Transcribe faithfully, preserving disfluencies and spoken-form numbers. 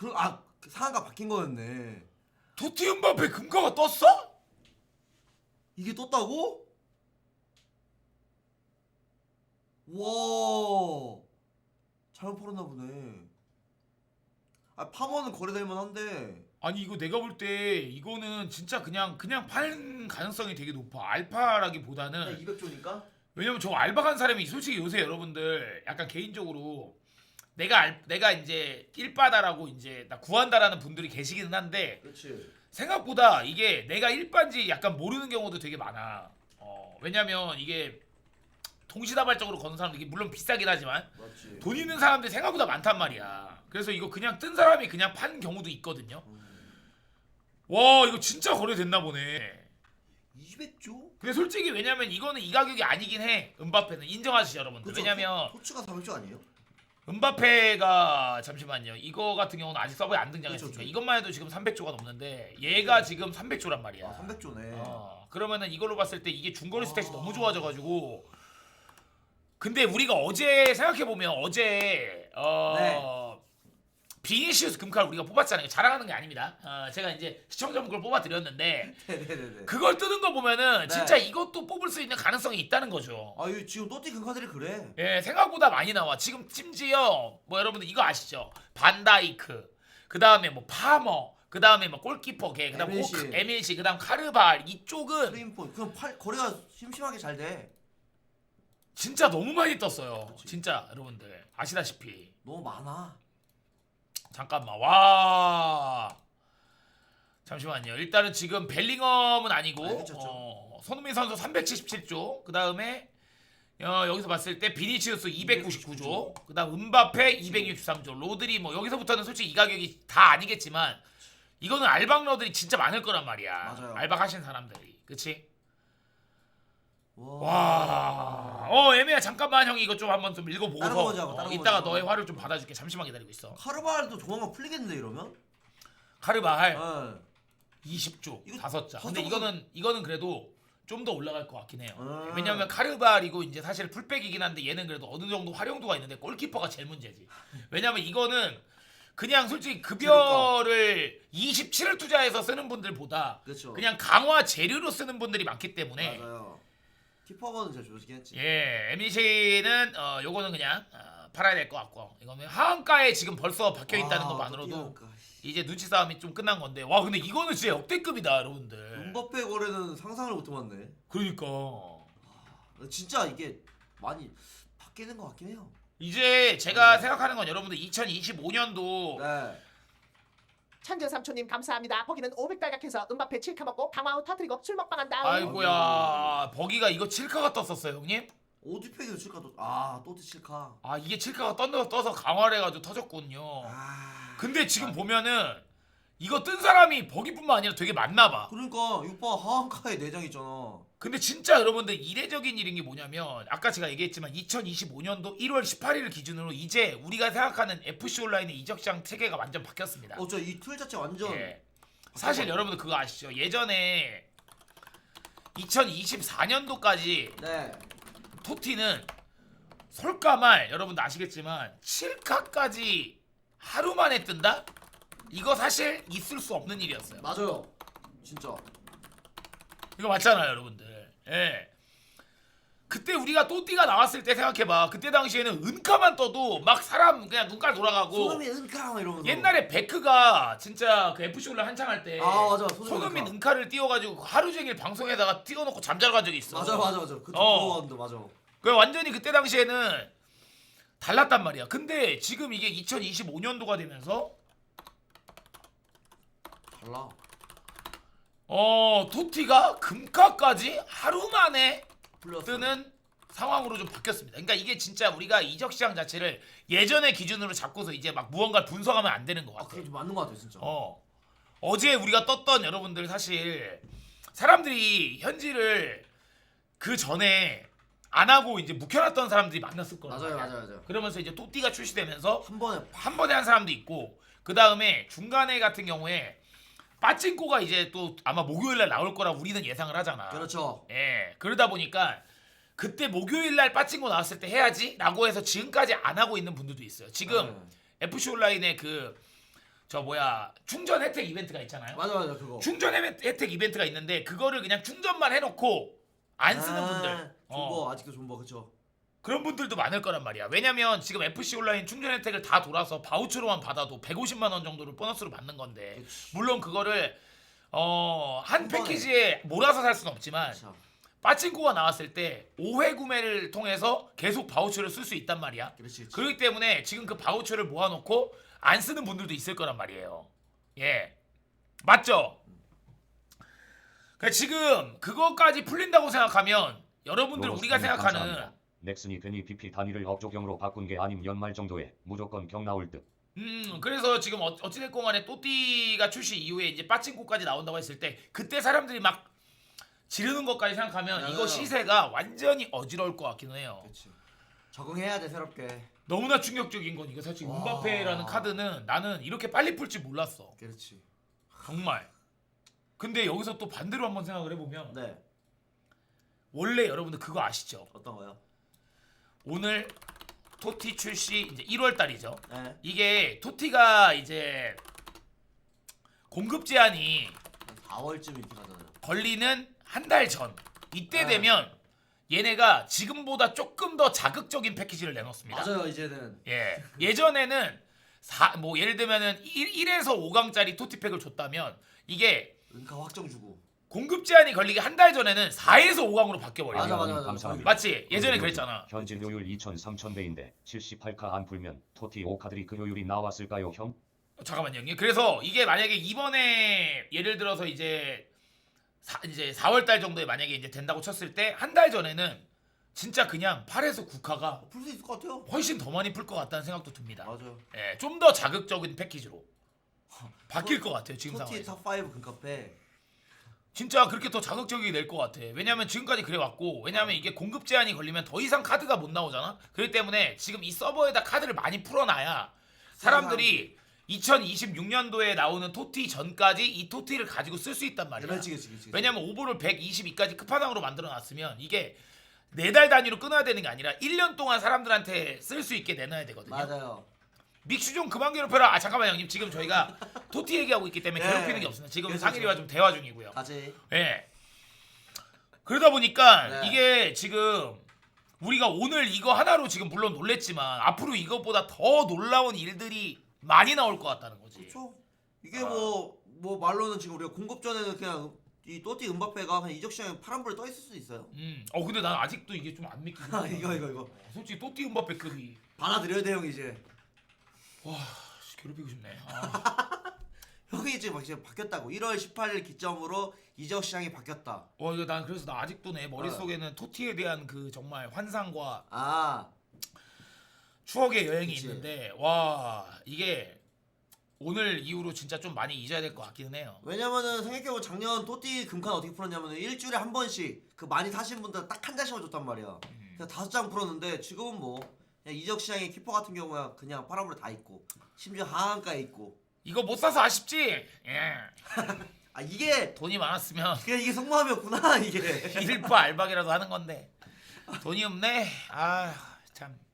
그, 아 상한가 바뀐 거였네. 토티 음바페 금가가 떴어? 이게 떴다고? 와 잘못 팔았나 보네. 아 파머는 거래될 만한데. 아니 이거 내가 볼 때 이거는 진짜 그냥 그냥 팔 가능성이 되게 높아. 알파라기보다는 이백 조니까? 왜냐면 저 알바 간 사람이 솔직히 요새 여러분들 약간 개인적으로 내가 알, 내가 이제 일바다라고 이제 나 구한다라는 분들이 계시기는 한데 그렇지. 생각보다 이게 내가 일바인지 약간 모르는 경우도 되게 많아. 어, 왜냐면 이게 동시다발적으로 거는 사람들이 물론 비싸긴 하지만 맞지. 돈 있는 사람들이 생각보다 많단 말이야. 그래서 이거 그냥 뜬 사람이 그냥 판 경우도 있거든요. 음. 와 이거 진짜 거래됐나 보네. 이백 조? 근데 솔직히 왜냐면 이거는 이 가격이 아니긴 해. 음바페는 인정하시죠 여러분들. 그쵸? 왜냐면 토, 토치가 사백 조 아니에요? 음바페가 잠시만요. 이거 같은 경우는 아직 서버에 안 등장했으니까 그쵸, 그쵸. 이것만 해도 지금 삼백 조가 넘는데 얘가 지금 삼백 조란 말이야. 아 삼백 조네. 어, 그러면은 이걸로 봤을 때 이게 중거리 스탯이 아. 너무 좋아져가지고 근데 우리가 어제 생각해보면 어제 어 네. 비니시우스 금칼 우리가 뽑았잖아요. 자랑하는 게 아닙니다. 어, 제가 이제 시청자분 걸 뽑아드렸는데 네네네네. 그걸 뜨는 거 보면은 네. 진짜 이것도 뽑을 수 있는 가능성이 있다는 거죠. 아 이거 지금 또띠 금카들이 그래. 예, 생각보다 많이 나와. 지금 심지어 뭐 여러분들 이거 아시죠? 반다이크, 그 다음에 뭐 파머, 그 다음에 뭐 골키퍼 걔, 그 다음 에밀시. 호크, 에밀시, 그 다음 카르발 이쪽은 프레임폰 그럼 팔 거래가 심심하게 잘 돼. 진짜 너무 많이 떴어요. 그치. 진짜 여러분들 아시다시피. 너무 많아. 잠깐만 와 잠시만요. 일단은 지금 벨링엄은 아니고 아니, 그쵸, 그쵸. 어, 손흥민 선수 삼백칠십칠 조, 그 다음에 어, 여기서 봤을 때 비니치우스 이백구십구 조, 그 다음 음바페 이백육십삼 조, 로드리 뭐 여기서부터는 솔직히 이 가격이 다 아니겠지만 이거는 알박러들이 진짜 많을 거란 말이야. 맞아요. 알박 하신 사람들이. 그치? 와. 와, 어 애매야. 잠깐만 형이 이거 좀 한번 좀 다른 읽어보고서 거 먼저 하고, 어, 다른 거 이따가 먼저 너의 하고. 화를 좀 받아줄게. 잠시만 기다리고 있어. 카르발도 조만간 풀리겠는데 이러면? 카르발 네. 이십 조 이거 다섯 자. 근데 다섯 이거는 이거는 그래도 좀 더 올라갈 것 같긴 해요. 음. 왜냐면 카르발이고 이제 사실 풀백이긴 한데 얘는 그래도 어느 정도 활용도가 있는데 골키퍼가 제일 문제지. 왜냐면 이거는 그냥 솔직히 급여를 이십칠을 투자해서 쓰는 분들보다 그렇죠. 그냥 강화 재료로 쓰는 분들이 많기 때문에 맞아요. 키퍼거는 제일 좋긴 했지. 예, 엠비씨는 어 요거는 그냥 어, 팔아야 될 것 같고 이거는 하한가에 지금 벌써 박혀 있다는 아, 것만으로도 또 뛰어갈까. 이제 눈치 싸움이 좀 끝난 건데 와 근데 이거는 진짜 역대급이다 여러분들. 음바페 거래는 상상을 못 해봤네. 그러니까 진짜 이게 많이 바뀌는 것 같긴 해요. 이제 제가 네. 생각하는 건 여러분들 이천이십오 년도 네. 천재삼촌님 감사합니다. 거기는 오백 달각해서 음바페 칠카 먹고 방화 후 터뜨리고 술 먹방한 다음 아이고야 버기가 이거 칠카가 떴었어요 형님? 오디팩에도 칠카 또, 아 또띠 칠카. 아 이게 칠카가 떴어 떠서 강화를 해가지고 터졌군요. 아. 근데 지금 보면은 이거 뜬 사람이 버기뿐만 아니라 되게 많나봐. 그러니까 육바 하한카에 내장 있잖아. 근데 진짜 여러분들 이례적인 일인 게 뭐냐면 아까 제가 얘기했지만 이천이십오 년도 일월 십팔일을 기준으로 이제 우리가 생각하는 에프씨 온라인의 이적시장 체계가 완전 바뀌었습니다. 어, 저 이 틀 자체 완전. 예. 사실 여러분들 그거 아시죠? 예전에 이천이십사 년도까지 네. 토티는 솔까말 여러분들 아시겠지만 칠카까지 하루 만에 뜬다? 이거 사실 있을 수 없는 일이었어요. 맞아요. 진짜. 이거 맞잖아요 여러분들. 예. 그때 우리가 또띠가 나왔을 때 생각해봐. 그때 당시에는 은카만 떠도 막 사람 그냥 눈깔 돌아가고 손흥민 은카 막 이러면서. 옛날에 베크가 진짜 그 에프씨 온라인 한창 할 때 아 맞아. 손흥민, 손흥민 은카. 은카를 띄워가지고 하루 종일 방송에다가 띄워놓고 잠자러 간 적이 있어. 맞아 맞아 맞아. 그때 어. 부러웠는데 맞아. 그 완전히 그때 당시에는 달랐단 말이야. 근데 지금 이게 이천이십오 년도가 되면서 달라. 어 토티가 금카까지 하루 만에 풀렸어. 뜨는 상황으로 좀 바뀌었습니다. 그러니까 이게 진짜 우리가 이적 시장 자체를 예전의 기준으로 잡고서 이제 막 무언가를 분석하면 안 되는 것 아 같아. 그게 좀 맞는 것 같아 진짜. 어 어제 우리가 떴던 여러분들 사실 사람들이 현지를 그 전에 안 하고 이제 묵혀놨던 사람들이 많았을 거란 맞아요 말이야. 맞아요 맞아요. 그러면서 이제 또띠가 출시되면서 한 번에 한 번에 한 사람도 있고 그 다음에 중간에 같은 경우에 빠찡코가 이제 또 아마 목요일날 나올 거라 우리는 예상을 하잖아. 그렇죠. 예, 그러다 보니까 그때 목요일날 빠찡코 나왔을 때 해야지 라고 해서 지금까지 안 하고 있는 분들도 있어요. 지금 네. 에프씨 온라인의 그 저 뭐야 충전 혜택 이벤트가 있잖아요. 맞아 맞아 그거. 충전 혜택 혜택 이벤트가 있는데 그거를 그냥 충전만 해놓고 안 쓰는 아, 분들 존버 어, 아직도 존버 그쵸. 그런 분들도 많을 거란 말이야. 왜냐면 지금 에프씨 온라인 충전 혜택을 다 돌아서 바우처로만 받아도 백오십만 원 정도를 보너스로 받는 건데 그치. 물론 그거를 어, 한 한 번에. 패키지에 몰아서 살 수는 없지만 그쵸. 빠친코가 나왔을 때 오 회 구매를 통해서 계속 바우처를 쓸 수 있단 말이야. 그렇지 그렇지. 그렇기 때문에 지금 그 바우처를 모아놓고 안 쓰는 분들도 있을 거란 말이에요. 예, 맞죠? 그러니까 지금 그거까지 풀린다고 생각하면 여러분들 로로스 우리가 형님 생각하는 감사합니다. 넥슨이 괜히 비피 단위를 억조경으로 바꾼 게 아님 연말 정도에 무조건 경 나올 듯. 음 그래서 지금 어, 어찌됐건 간에 또띠가 출시 이후에 이제 빠친코까지 나온다고 했을 때 그때 사람들이 막 지르는 것까지 생각하면 이거 맞아요. 시세가 완전히 어지러울 것 같기는 해요. 그렇지. 적응해야 돼 새롭게. 너무나 충격적인 건 이거 사실 와. 음바페라는 카드는 나는 이렇게 빨리 풀 줄 몰랐어. 그렇지. 정말. 근데 여기서 또 반대로 한번 생각을 해보면 네. 원래 여러분들 그거 아시죠? 어떤 거요? 오늘 토티 출시 이제 일월 달이죠. 네. 이게 토티가 이제 공급 제한이 사월쯤 이렇게 가잖아요. 걸리는 한 달 전 이때 네. 되면 얘네가 지금보다 조금 더 자극적인 패키지를 내놓습니다. 맞아요 이제는. 예. 예전에는 사, 뭐 예를 들면은 일에서 오 강짜리 토티팩을 줬다면 이게 은카 확정 주고. 공급 제한이 걸리기 한 달 전에는 사에서 오 강으로 바뀌어 버려. 맞아, 요 맞아, 맞아. 감사합니다. 맞지? 예전에 그랬잖아. 현질 효율 이천 삼천 배인데 칠십팔 카 안 풀면 토티 오 카들이 그 효율이 나왔을까요, 형? 잠깐만요, 형님. 그래서 이게 만약에 이번에 예를 들어서 이제 사, 이제 사월 달 정도에 만약에 이제 된다고 쳤을 때 한 달 전에는 진짜 그냥 팔에서 구 카가 풀 수 있을 것 같아요. 훨씬 더 많이 풀 것 같다는 생각도 듭니다. 맞아요. 예, 좀 더 자극적인 패키지로 바뀔 것 같아요 지금 토티 상황에서. 탑 오 금카페. 진짜 그렇게 더 자극적이게 될 것 같아. 왜냐면 지금까지 그래 왔고, 왜냐면 이게 공급 제한이 걸리면 더 이상 카드가 못 나오잖아. 그렇기 때문에 지금 이 서버에다 카드를 많이 풀어놔야 사람들이 이천이십육 년도에 나오는 토티 전까지 이 토티를 가지고 쓸 수 있단 말이야. 그렇지 그렇지 그렇지. 왜냐면 오버를 백이십이까지 끝판왕으로 만들어놨으면 이게 네 달 단위로 끊어야 되는 게 아니라 일 년 동안 사람들한테 쓸 수 있게 내놔야 되거든요. 맞아요. 믹슈 좀 그만 괴롭혀라. 아 잠깐만 형님, 지금 저희가 토티 얘기하고 있기 때문에 네. 괴롭히는 게 없습니다. 지금 그렇죠. 상일이와 좀 대화 중이고요. 가지. 예. 그러다 보니까 네. 이게 지금 우리가 오늘 이거 하나로 지금 물론 놀랬지만 앞으로 이것보다 더 놀라운 일들이 많이 나올 것 같다는 거지. 그렇죠. 이게 아. 뭐 뭐 말로는 지금 우리가 공급 전에는 그냥 이 또띠 음바페가 그냥 이적 시장에 파란불에 떠 있을 수도 있어요. 음. 어 근데 난 아직도 이게 좀 안 믿기긴 아, 하다. 이거 이거 이거. 솔직히 또띠 음바페급이 받아들여야 돼 형 이제. 와 씨, 괴롭히고 싶네. 아. 형이 지금 막 지금 바뀌었다고. 일월 십팔일 기점으로 이적 시장이 바뀌었다. 와 이거 난 그래서 나 아직도 내 머릿속에는 토티에 대한 그 정말 환상과 아 추억의 여행이 그치. 있는데 와 이게 오늘 이후로 진짜 좀 많이 잊어야 될 것 같기는 해요. 왜냐면은 생각해보면 작년 또띠 금칸 어떻게 풀었냐면은 일주일에 한 번씩 그 많이 사신 분들 딱 한 장씩만 줬단 말이야. 그래서 다섯 장 풀었는데 지금은 뭐 그냥 이적 시장의 키퍼 같은 경우야 그냥 파란불에 다 있고 심지어 하한가에 있고. 이거 못 사서 아쉽지? 예. 아 이게 돈이 많았으면 그냥 이게 속마음이었구나 이게. 일부 알박이라도 하는 건데 돈이 없네. 아 참.